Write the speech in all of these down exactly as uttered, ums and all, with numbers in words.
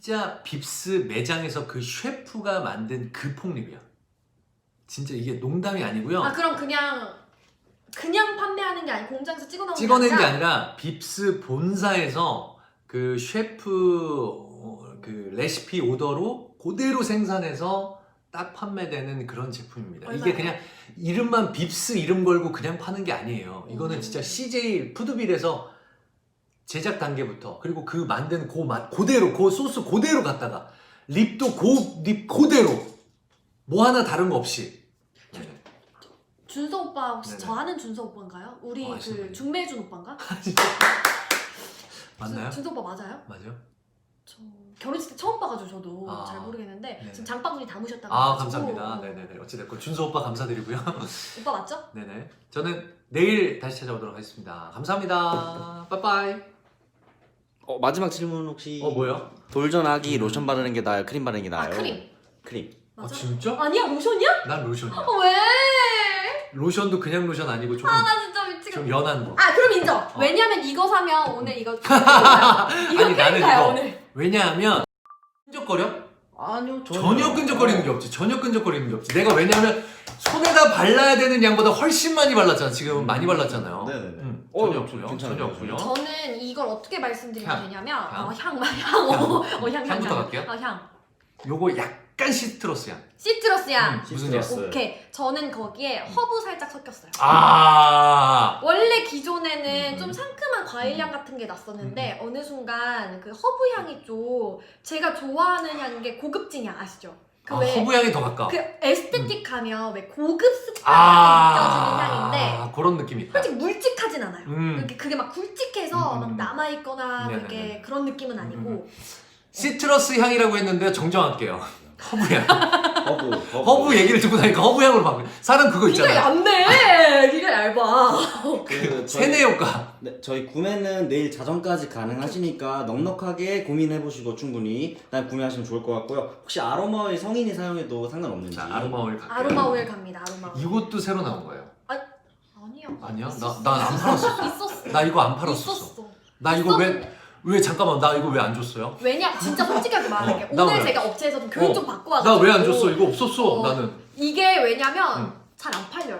진짜 빕스 매장에서 그 셰프가 만든 그 폭립이야. 진짜 이게 농담이 아니고요. 아 그럼 그냥 그냥 판매하는 게 아니고 공장에서 찍어놓은 찍어낸 게 게 아니라, 아니라 빕스 본사에서 그 셰프 어, 그 레시피 오더로 그대로 생산해서 딱 판매되는 그런 제품입니다. 얼마예요? 이게 그냥 이름만 빕스 이름 걸고 그냥 파는 게 아니에요. 이거는 음. 진짜 씨제이 푸드빌에서 제작 단계부터 그리고 그 만든 그 맛 그대로 그 소스 그대로 갖다가 립도 그 립 그대로 뭐 하나 다른 거 없이. 네. 준서 오빠 혹시 네네. 저 아는 준서 오빠인가요? 우리 어, 그 아시는 중매준 오빠인가? 맞나요? 준, 준서 오빠 맞아요? 맞아요? 저 결혼식 때 처음 봐가지고 저도 아. 잘 모르겠는데 네네. 지금 장바구니 담으셨다고 아 해가지고. 감사합니다. 네네네. 어찌됐건 준서 오빠 감사드리고요. 오빠 맞죠? 네네. 저는 내일 다시 찾아오도록 하겠습니다. 감사합니다. 빠빠이. 어, 마지막 질문 혹시 어 뭐요? 돌전하기 음. 로션 바르는 게 나아요? 크림 바르는 게 아 나아요? 크림 크림. 아 맞아? 진짜? 아니야 로션이야? 난 로션이야. 어, 왜? 로션도 그냥 로션 아니고 조금 아 나 진짜 좀 미치겠다. 연한 거. 아 그럼 인정. 어. 왜냐면 이거 사면 오늘 이거 이거 크림가요 오늘. 왜냐하면 끈적거려? 아니요 전혀 끈적거리는 게 없지. 전혀 끈적거리는 게 없지. 내가 왜냐하면 손에다 발라야 되는 양보다 훨씬 많이 발랐잖아. 지금 음. 많이 발랐잖아요. 네네네. 음, 어, 전혀 없고요. 괜찮아요. 전혀 없고요. 저는 이걸 어떻게 말씀드리면 향. 되냐면 향. 어, 향, 향, 어, 어, 향, 향, 향부터 향. 갈게요. 어, 향. 요거 약간 시트러스 향. 시트러스 향. 음, 무슨 시트러스. 오케이. 저는 거기에 허브 살짝 섞였어요. 아. 원래 기존에는 음. 좀 상큼한 과일 향 같은 게 났었는데 어느 순간 그 허브 향이 좀 제가 좋아하는 향인 게 고급진 향 아시죠? 그 아, 왜 허브 향이 더 가까. 그 에스테틱하면 왜 고급스럽게 아. 느껴지는 향인데 그런 느낌이 있다. 솔직히 mul직하진 않아요. 음. 그게, 그게 막 굵직해서 음, 막 음. 남아있거나 네네네. 그게 그런 느낌은 아니고 음. 시트러스 향이라고 했는데 정정할게요. 허브 향. 허브. 허브. 허브 얘기를 듣고 나니까 허브 향으로 바꿔. 사람 그거 귀가 있잖아. 얇네. 귀가 얇아. 그 저희- 세뇌 효과. 네, 저희 구매는 내일 자정까지 가능하시니까 넉넉하게 고민해보시고 충분히 일단 구매하시면 좋을 것 같고요. 혹시 아로마 오일 성인이 사용해도 상관없는지. 자, 아로마 오일 갈게요. 아로마 오일 갑니다. 아로마 오일. 이것도 새로 나온 거예요. 아니야. 아니야? 있었어. 나- 난안 팔았었어. 있었어. 나 이거 안 팔았었어. 있었어. 나 이거 왜 있었는데. 왜 잠깐만 나 이거 왜 안 줬어요? 왜냐 진짜 솔직하게 말할게. 어, 나 오늘 왜? 제가 업체에서 좀 교육 어, 좀 받고 나 와가지고 왜 안 줬어? 이거 없었어. 어. 나는. 이게 왜냐면 응. 잘 안 팔려요.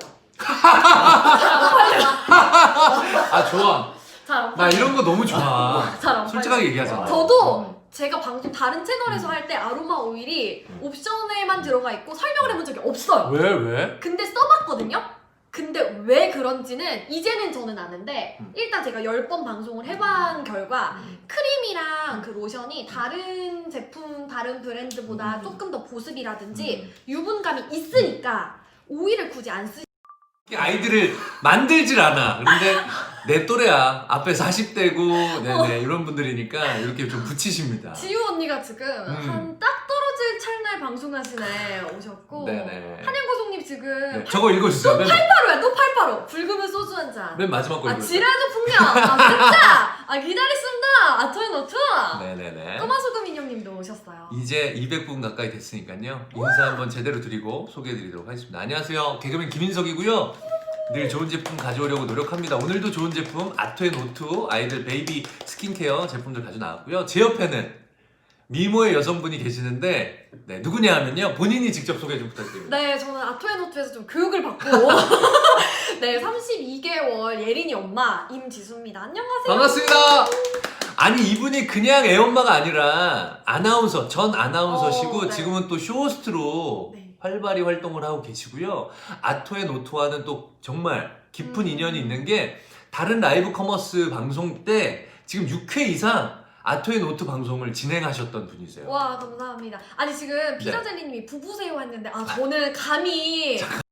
아 좋아. 잘 안 나 팔려. 이런 거 너무 좋아. 잘안 솔직하게 얘기하잖아. 저도 제가 방송 다른 채널에서 음. 할 때 아로마 오일이 음. 옵션에만 들어가 있고 설명을 해본 적이 없어요. 왜 왜? 근데 써봤거든요? 근데 왜 그런지는 이제는 저는 아는데 음. 일단 제가 열 번 방송을 해본 결과 음. 크림이랑 그 로션이 다른 제품, 다른 브랜드보다 음. 조금 더 보습이라든지 음. 유분감이 있으니까 오일을 굳이 안 쓰. 아이들을 만들질 않아. 근데 내 또래야. 앞에 사십 대고 네네 이런 분들이니까 이렇게 좀 붙이십니다. 지우 언니가 지금 음. 한 딱 떨어질 찰나에 방송하시네 오셨고 네네. 한양고송님 지금 네, 저거 읽어주세요. 맨, 팔팔오야 또 팔팔오 붉으면 소주 한 잔. 맨 마지막 거 아 읽어주세요. 지랄도 풍경. 아 진짜. 아 기다렸습니다. 아토에 노트. 네네네. 꼬마소금 인형님도 오셨어요. 이제 이백 분 가까이 됐으니까요. 인사 한번 제대로 드리고 소개해드리도록 하겠습니다. 안녕하세요. 개그맨 김인석이고요. 늘 좋은 제품 가져오려고 노력합니다. 오늘도 좋은 제품 아토앤오투 아이들 베이비 스킨케어 제품들 가져 나왔고요. 제 옆에는 미모의 여성분이 계시는데 네, 누구냐 하면요. 본인이 직접 소개 좀 부탁드립니다. 네, 저는 아토앤오투에서 좀 교육을 받고 네, 삼십이 개월 예린이 엄마 임지수입니다. 안녕하세요. 반갑습니다. 아니 이분이 그냥 애엄마가 아니라 아나운서, 전 아나운서시고 어, 네. 지금은 또 쇼호스트로 네. 활발히 활동을 하고 계시고요. 아토앤오토와는 또 정말 깊은 음. 인연이 있는 게 다른 라이브 커머스 방송 때 지금 육 회 이상 아토앤오토 방송을 진행하셨던 분이세요. 와 감사합니다. 아니 지금 네. 피자젤리님이 부부세요 했는데 아 저는 감히